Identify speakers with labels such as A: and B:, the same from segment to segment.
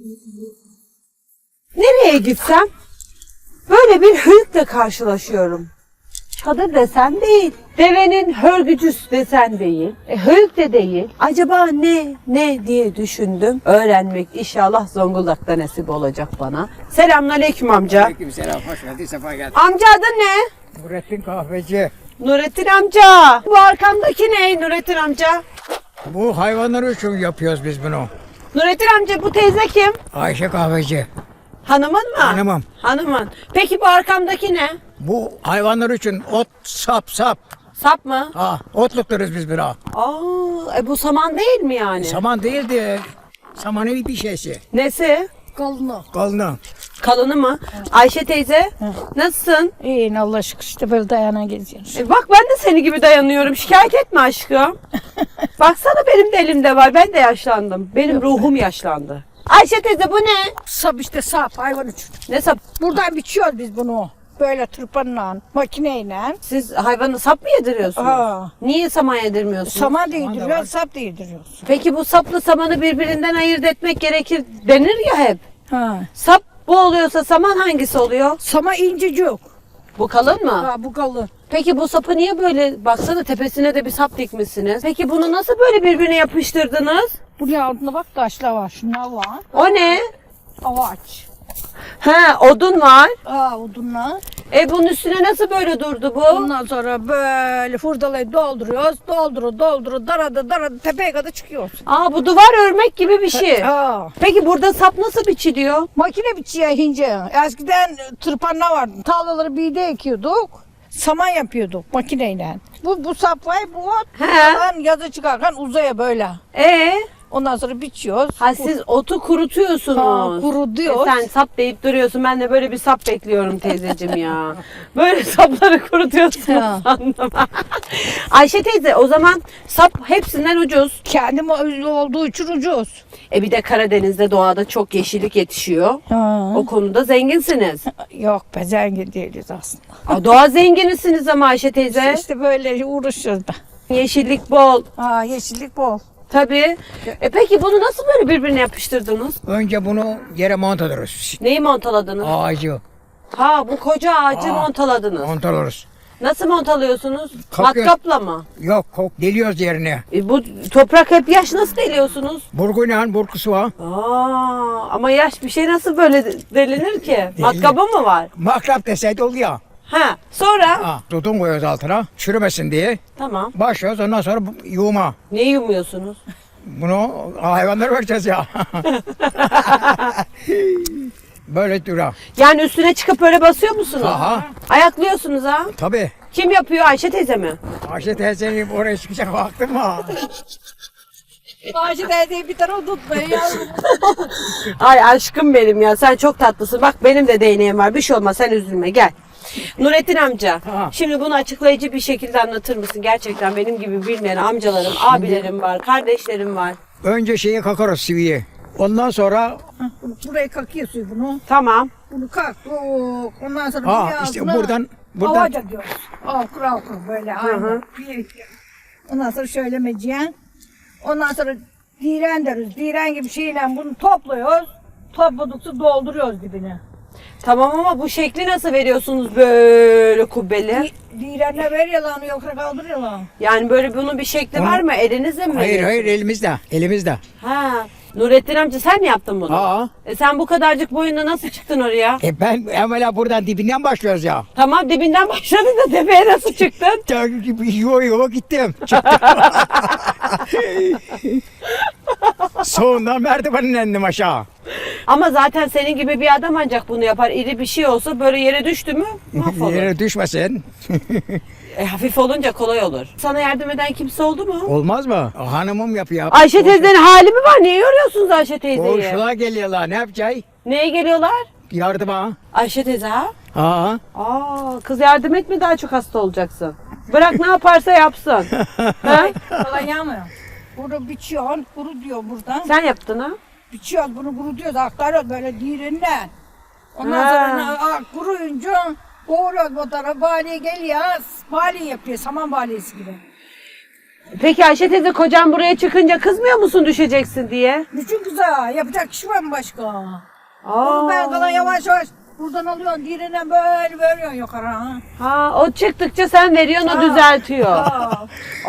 A: Nereye gitsem böyle bir hıyıkla karşılaşıyorum. Çadır desen değil, devenin hörgücüsü desen değil, hıyık de değil. Acaba ne diye düşündüm. Öğrenmek inşallah Zonguldak'ta nasip olacak bana. Selamünaleyküm amca.
B: Aleykümselam, hoş geldin, sefa geldin.
A: Amca adın ne?
B: Nurettin Kahveci.
A: Nurettin amca. Bu arkamdaki ne Nurettin amca?
B: Bu hayvanlar için yapıyoruz biz bunu.
A: Nurettin amca bu teyze kim?
B: Ayşe Kahveci.
A: Hanımın mı?
B: Hanımım.
A: Hanımın. Peki bu arkamdaki ne?
B: Bu hayvanlar için ot, sap.
A: Sap mı?
B: Ha, otluklarız biz buna.
A: Bu saman değil mi yani?
B: Saman değil de samanın bir şeysi.
A: Nesi?
B: Kalını.
A: Kalını mı? Ayşe teyze, nasılsın?
C: İyi Allah şükür işte böyle dayana geziyoruz.
A: Bak ben de seni gibi dayanıyorum. Şikayet etme aşkım. Baksana benim de elimde var. Ben de yaşlandım. Benim ruhum yaşlandı. Ayşe teyze bu ne?
C: Sap işte sap hayvan için.
A: Ne sap?
C: Buradan biçiyoruz biz bunu. Böyle tırpanla, makineyle.
A: Siz hayvanı sap mı yediriyorsunuz?
C: Aa.
A: Niye saman yedirmiyorsunuz?
C: Saman değdiriyoruz, sap değdiriyoruz.
A: Peki bu sapla samanı birbirinden ayırt etmek gerekir denir ya hep.
C: Ha.
A: Sap bu oluyorsa saman hangisi oluyor?
C: Sama incecik.
A: Bu kalın mı?
C: Ha bu kalın.
A: Peki bu sapı niye böyle, baksana tepesine de bir sap dikmişsiniz. Peki bunu nasıl böyle birbirine yapıştırdınız?
C: Bunun altında bak taşlar var, şunlar var.
A: O ne?
C: Ağaç.
A: Odun var.
C: Odunlar.
A: Bunun üstüne nasıl böyle durdu bu?
C: Ondan sonra böyle hurdalayı dolduruyoruz. Doldurup darada tepeye kadar çıkıyoruz.
A: Bu duvar örmek gibi bir şey.
C: Ha.
A: Peki burada sap nasıl biçiliyor?
C: Makine biçiyor hince. Eskiden tırpanlar vardı. Tarlaları birde ekiyorduk. Saman yapıyorduk makineyle. Bu saplayı bu ot. Yazı çıkarken uzaya böyle. Ondan sonra biçiyoruz.
A: Siz otu kurutuyorsunuz.
C: Kurutuyoruz.
A: Sen sap deyip duruyorsun. Ben de böyle bir sap bekliyorum teyzeciğim ya. Böyle sapları kurutuyorsun
C: Ha.
A: sandım. Ayşe teyze, o zaman sap hepsinden ucuz.
C: Kendim özlü olduğu için ucuz.
A: Bir de Karadeniz'de doğada çok yeşillik yetişiyor.
C: Ha.
A: O konuda zenginsiniz.
C: Yok be zengin değiliz aslında.
A: Doğa zenginisiniz ama Ayşe teyze.
C: İşte böyle uğraşıyoruz da.
A: Yeşillik bol.
C: Yeşillik bol.
A: Tabii. Peki bunu nasıl böyle birbirine yapıştırdınız?
B: Önce bunu yere mont ediyoruz.
A: Neyi montaladınız?
B: Ağacı
A: Bu koca ağacı montaladınız.
B: mont ediyoruz.
A: Nasıl montalıyorsunuz?
B: Kalkıyor.
A: Matkapla mı?
B: Yok, deliyoruz yerine.
A: Bu toprak hep yaş, nasıl deliyorsunuz?
B: Burguyla burkusu var.
A: Ama yaş bir şey nasıl böyle delinir ki? Matkabı mı var?
B: Makrap deseydi oluyor.
A: Sonra?
B: Tutun koyuyoruz altına, çürümesin diye.
A: Tamam.
B: Başlıyoruz, ondan sonra yuğuma.
A: Ne yumuyorsunuz?
B: Bunu hayvanlara vereceğiz ya. Böyle dura.
A: Yani üstüne çıkıp öyle basıyor musunuz?
B: Aha.
A: Ayaklıyorsunuz ha?
B: Tabii.
A: Kim yapıyor, Ayşe teyze mi?
B: Ayşe teyzenin oraya çıkacak vaktim var.
C: Ayşe teyzeyi bir tarafa tutmayın yavrum.
A: Ay aşkım benim ya, sen çok tatlısın. Bak benim de değneğim var, bir şey olmaz, sen üzülme, gel. Nurettin amca, şimdi bunu açıklayıcı bir şekilde anlatır mısın? Gerçekten benim gibi bilmeyen amcalarım, abilerim var, kardeşlerim var.
B: Önce şeyi kakarız siviyi. Ondan sonra
C: Buraya kakıyor suyu bunu.
A: Tamam.
C: Bunu kaktık. Ondan sonra
B: işte buradan
C: Avaca diyoruz. Okur böyle aynı. Ondan sonra şöyle meciyen. Ondan sonra diren deriz. Diren gibi şeyle bunu topluyoruz. Topladıkça dolduruyoruz dibine.
A: Tamam ama bu şekli nasıl veriyorsunuz böyle kubbeli?
C: Direnle veriyorlar, yoksa kaldırıyorlar.
A: Yani böyle bunun bir şekli var mı? Elinizle mi
B: hayır
A: veriyorsunuz?
B: elimizde. Elimizde.
A: Nurettin amca sen mi yaptın bunu?
B: Aa.
A: Sen bu kadarcık boyunda nasıl çıktın oraya?
B: Ben evvela buradan dibinden başlıyoruz ya.
A: Tamam, dibinden başladın da tepeye nasıl çıktın?
B: Yo gittim. Çıktım. Sonundan merdivenin indim aşağı.
A: Ama zaten senin gibi bir adam ancak bunu yapar. İri bir şey olsa böyle yere düştü mü mahvolur.
B: Yere düşmesin.
A: Hafif olunca kolay olur. Sana yardım eden kimse oldu mu?
B: Olmaz mı? Hanımım yapıyor.
A: Ayşe teyzenin hali mi var? Niye yoruyorsunuz Ayşe teyzeyi?
B: Komşular geliyorlar. Ne yapacağız?
A: Neye geliyorlar?
B: Yardıma.
A: Ayşe teyze ha?
B: Ha.
A: Kız yardım etme, daha çok hasta olacaksın. Bırak ne yaparsa yapsın.
C: Falan yağmıyor. Bunu biçiyorsun, kuru diyor buradan.
A: Sen yaptın ha?
C: Biçiyoruz bunu kurutuyoruz, aktarıyoruz böyle direnle. Ondan sonra kuruyunca doğruyoruz bu tarafa, baliye geliyor, baliye yapıyor, saman baliyesi gibi.
A: Peki Ayşe teyze kocan buraya çıkınca kızmıyor musun düşeceksin diye?
C: Bütün güzel. Yapacak kişi var mı başka?
A: Aa.
C: Ben kalan yavaş yavaş buradan alıyorsun. Diğerinden böyle veriyorsun yukarı. Ha.
A: Ha, o çıktıkça sen veriyorsun, o
C: Ha.
A: düzeltiyor.
C: Ha.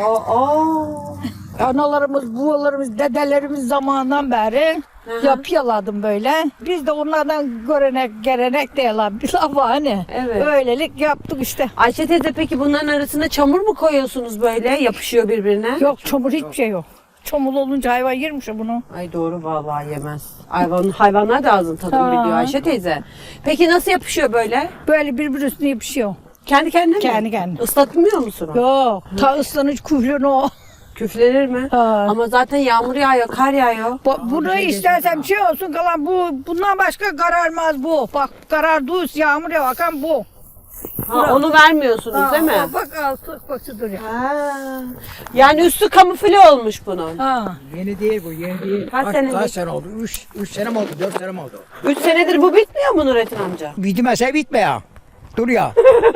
A: Aa.
C: Analarımız, babalarımız, dedelerimiz zamanından beri yapıyorlardım böyle. Biz de onlardan görenek, gelenek diyorlar. Bir laf var hani.
A: Evet.
C: Öylelik yaptık işte.
A: Ayşe teyze peki bunların arasına çamur mu koyuyorsunuz böyle? Yapışıyor birbirine.
C: Yok çamur hiçbir şey yok. Çamur olunca hayvan yermiş ya bunu.
A: Ay doğru vallahi yemez. Hayvanlar da ağzın tadını
C: Ha.
A: biliyor Ayşe teyze. Peki nasıl yapışıyor böyle?
C: Böyle birbir üstüne yapışıyor.
A: Kendi kendine mi?
C: Kendi kendine.
A: Islatmıyor musun o?
C: Yok. Ta ıslanıcı kuyruğunu o.
A: Küflenir mi?
C: Ha.
A: Ama zaten yağmur yağıyor, kar yağıyor.
C: Bunu istersen bir şey olsun kalan bundan başka kararmaz bu. Bak karardıyız yağmur ya bakan bu.
A: Ha, onu vermiyorsunuz değil mi?
C: Bak altı koşudur ya.
A: Ha. Yani üstü kamufle olmuş bunun.
C: Ha.
B: Yeni değil bu, yeni değil.
A: Kaç senedir?
B: Kaç sene oldu? 3 sene mi oldu, 4 sene mi oldu?
A: 3 senedir bu bitmiyor mu Nurettin amca?
B: Bitmese bitme ya. Dur ya.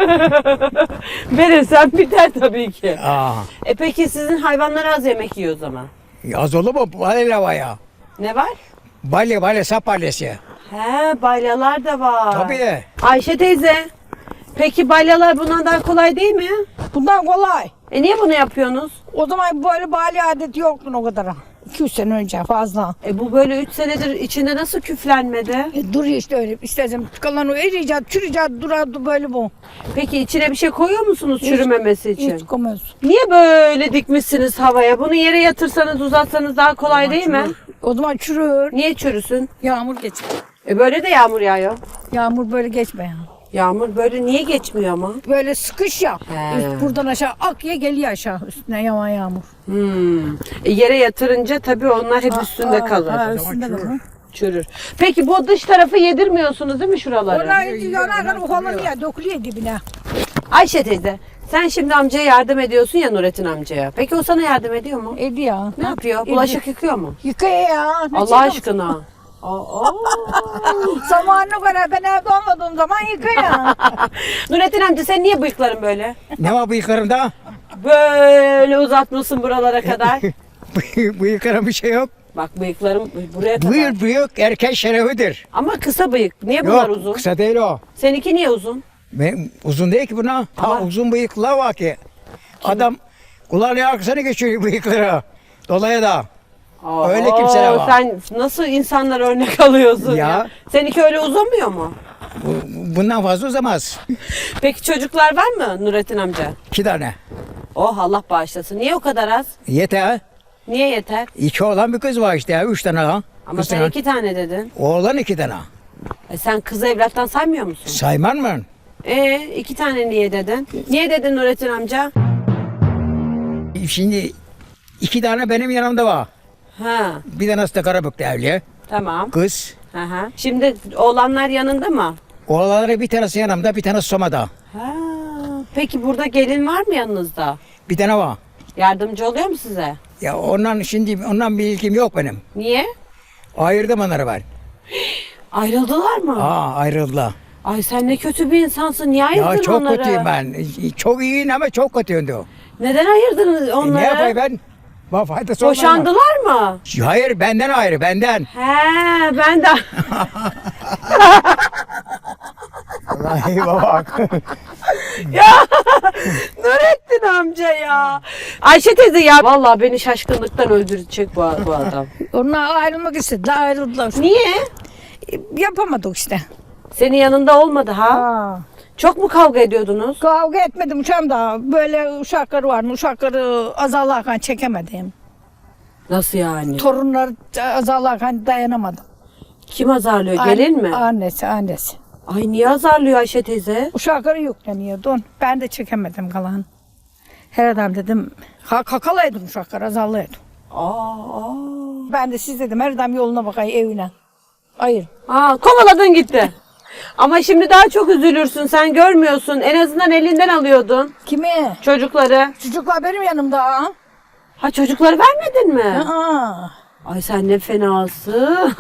A: Verirsen biter tabii ki.
B: Aa,
A: Peki sizin hayvanlar az yemek yiyor o zaman.
B: yaz olur mu? Balya var ya.
A: Ne var?
B: Balya, sap balyası.
A: He, balyalar da var.
B: Tabii.
A: Ayşe teyze, peki balyalar bundan daha kolay değil mi?
C: Bundan kolay.
A: Niye bunu yapıyorsunuz?
C: O zaman böyle bali adeti yoktu o kadar. 200 sene önce fazla.
A: Bu böyle 3 senedir içinde nasıl küflenmedi?
C: Duruyor işte öyle. İstersen kalan o eriyecek, çürüyecek, durardı böyle bu.
A: Peki içine bir şey koyuyor musunuz çürümemesi için?
C: Hiç koymuyoruz.
A: Niye böyle dikmişsiniz havaya? Bunu yere yatırsanız uzatsanız daha kolay değil mi?
C: O zaman çürür.
A: Niye çürüsün?
C: Yağmur geçer.
A: Böyle de yağmur yağıyor.
C: Yağmur böyle geçme ya.
A: Yağmur böyle niye geçmiyor ama?
C: Böyle sıkış ya.
A: He.
C: Buradan aşağı akya geliyor aşağı üstüne yaman yağmur.
A: Yere yatırınca tabii onlar hep üstünde kalır.
C: Ha, üstünde kalır.
A: Çürür. Peki bu dış tarafı yedirmiyorsunuz değil mi şuraları?
C: Onlar yanarken ufalanıyor, dökülüyor dibine.
A: Ayşe teyze, sen şimdi amcaya yardım ediyorsun ya Nurettin amcaya. Peki o sana yardım ediyor mu?
C: Ediyor.
A: Ne yapıyor? Bulaşık yıkıyor mu?
C: Yıkıyor ya. Ne
A: Allah
C: çıkıyor?
A: aşkına. Aa.
C: Zamanına göre ben evde olmadığım zaman yıkıyor.
A: Nurettin amca sen niye bıyıkların böyle?
B: Ne var bıyıklarımda?
A: Böyle uzatmışsın buralara kadar.
B: Bıyıklarım bir şey yok.
A: Bak bıyıklarım buraya kadar.
B: Bıyık erkek şerefidir.
A: Ama kısa bıyık. Niye bunlar
B: Yok,
A: uzun?
B: kısa değil o.
A: Seninki niye uzun?
B: Uzun değil ki buna.
A: Ama-
B: Uzun bıyıklar var ki. Adam kulağının arkasına geçiyor bıyıkları. Dolaya da. Öyle kimseler var.
A: Sen nasıl insanlar örnek alıyorsun ya?
B: Ya.
A: Seninki öyle uzamıyor mu?
B: Bundan fazla uzamaz.
A: Peki çocuklar var mı Nurettin amca?
B: 2 tane.
A: Oh Allah bağışlasın. Niye o kadar az?
B: Yeter.
A: Niye yeter?
B: 2 oğlan bir kız var işte ya. 3 tane ha.
A: Ama
B: Kız
A: sen
B: tane.
A: 2 tane dedin.
B: Oğlan 2 tane.
A: Sen kızı evlattan saymıyor musun?
B: Sayman mı?
A: 2 tane niye dedin? Niye dedin Nurettin amca?
B: Şimdi 2 tane benim yanımda var.
A: Ha,
B: Bir tanesi de Karabük'te evli.
A: tamam.
B: Kız.
A: Aha. Şimdi oğlanlar yanında mı?
B: Oğlanları bir tanesi yanımda, bir tanesi Soma'da.
A: Ha. Peki burada gelin var mı yanınızda?
B: Bir tane var.
A: Yardımcı oluyor mu size?
B: Ya ondan bir ilgim yok benim.
A: Niye?
B: Ayırdım onları ben.
A: Ayrıldılar mı?
B: Ayrıldılar.
A: Ay sen ne kötü bir insansın. Niye ayırdın
B: Ya çok
A: onları?
B: kötüyüm ben. Çok iyiyim ama çok kötüyüm diyor.
A: Neden ayırdınız onları?
B: Ne yapayım ben? Bana faydası olmaz mı?
A: Boşandılar mı?
B: Hayır benden ayrı benden.
A: He ben de.
B: Vallahi bak.
A: Nurettin amca ya. Ayşe teyze ya. Vallahi beni şaşkınlıktan öldürecek bu adam.
C: Onlar ayrılmak istediler, ayrıldılar.
A: Niye?
C: Yapamadık işte.
A: Senin yanında olmadı ha?
C: Ha.
A: Çok mu kavga ediyordunuz?
C: Kavga etmedim uçağım da böyle uşakları var mı? Uşakları azarlarken çekemedim.
A: Nasıl yani?
C: Torunlar azarlarken dayanamadım.
A: Kim azarlıyor? Gelin mi?
C: Annesi.
A: Ay niye azarlıyor Ayşe teyze?
C: Uşakları yükleniyordu. Ben de çekemedim kalan. Her adam dedim, kakalaydım uşakları, azarlaydım.
A: Aa.
C: Ben de siz dedim, her adam yoluna bakayım evine. Hayır.
A: Kovaladın gitti. Ama şimdi daha çok üzülürsün. Sen görmüyorsun. En azından elinden alıyordun
C: Kimi?
A: çocukları.
C: Çocuklar benim yanımda.
A: Ha çocukları vermedin mi?
C: Aa.
A: Ay sen ne fenasın.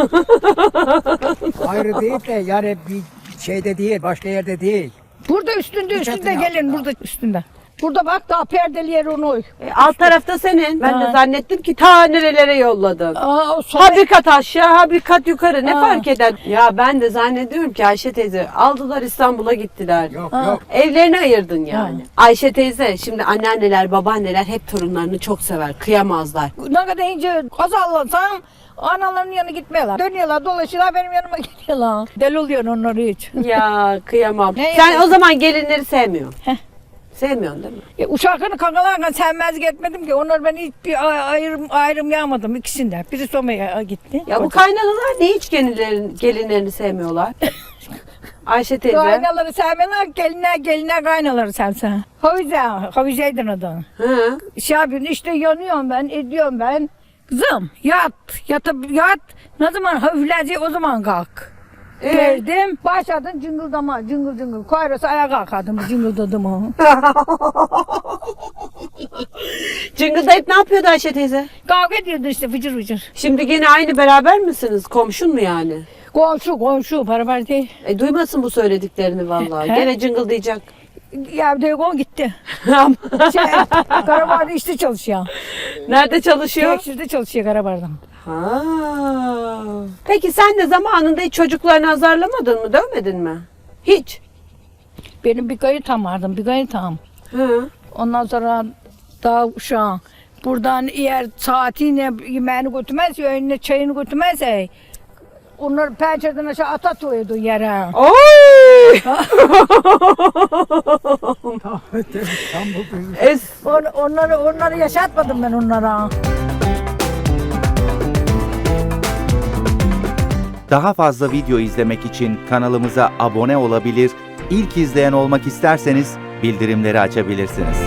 B: Ayrı değil de yani bir şeyde değil, başka yerde değil.
C: Burada üstünde
B: çatı
C: gelin
B: altında.
C: burada üstünde. Burada bak daha perdeli yer onu.
A: Alt tarafta senin. Ben de
C: Ha.
A: zannettim ki ta nerelere yolladın.
C: Aa, o
A: Ha bir kat aşağı, ha bir kat yukarı. Ne
C: Ha.
A: fark eder? Ya ben de zannediyorum ki Ayşe teyze aldılar İstanbul'a gittiler.
B: Yok
C: Ha.
B: yok.
A: Evlerini ayırdın yani. Ayşe teyze şimdi anneanneler, babaanneler hep torunlarını çok sever. Kıyamazlar.
C: Ne kadar ince azallasam analarının yanına gitmiyorlar. Dönüyorlar, dolaşıyorlar, benim yanıma geliyorlar. Deli oluyor onları hiç.
A: Ya kıyamam.
C: Ne
A: Sen
C: yapıyorsun?
A: o zaman gelinleri sevmiyorsun.
C: Heh.
A: Sevmiyorsun değil mi?
C: Uşaklarını kankalarla sevmezlik etmedim ki. Onlar ben hiçbir ayrım yapmadım ikisinden. Biri Soma'ya gitti.
A: Ya bu kaynanalar niye hiç gelinlerini sevmiyorlar? Ayşe teyze.
C: Kaynaları sevmeler, geline kaynaları sevsen. Havize'ydin adı.
A: Hı.
C: Şey yapıyorsun işte yanıyorum ben, ediyorum ben. Kızım yat, yat. Ne zaman hafifleyecek o zaman kalk. Verdim, başladın cıngıldama, cıngıl. Kayrası ayağa kalkardım, cıngıldadım o.
A: Cıngıldayıp ne yapıyordu Ayşe teyze?
C: Kavga ediyordu işte fıcır fıcır.
A: Şimdi gene aynı beraber misiniz? Komşun mu yani?
C: Komşu, beraber değil.
A: Duymasın bu söylediklerini vallahi.
C: He?
A: Gene cıngıldayacak.
C: Ya telefon gitti. Karabar'da işte çalışıyor.
A: Nerede çalışıyor?
C: Tekstilde çalışıyor Karabar'da.
A: Ha. Peki sen de zamanında hiç çocuklarını azarlamadın mı? Dövmedin mi? Hiç.
C: Benim bir kayıtam vardı, bir kayıtam.
A: Hı.
C: Ondan sonra daha uşağım. Buradan eğer saatiyle yemeğini götürmezse, önüne çayını götürmezse onları pencereden aşağı atıyordu yere.
A: Oy!
B: Tam bu.
C: Onları yaşatmadım ben onlara.
D: Daha fazla video izlemek için kanalımıza abone olabilir, ilk izleyen olmak isterseniz bildirimleri açabilirsiniz.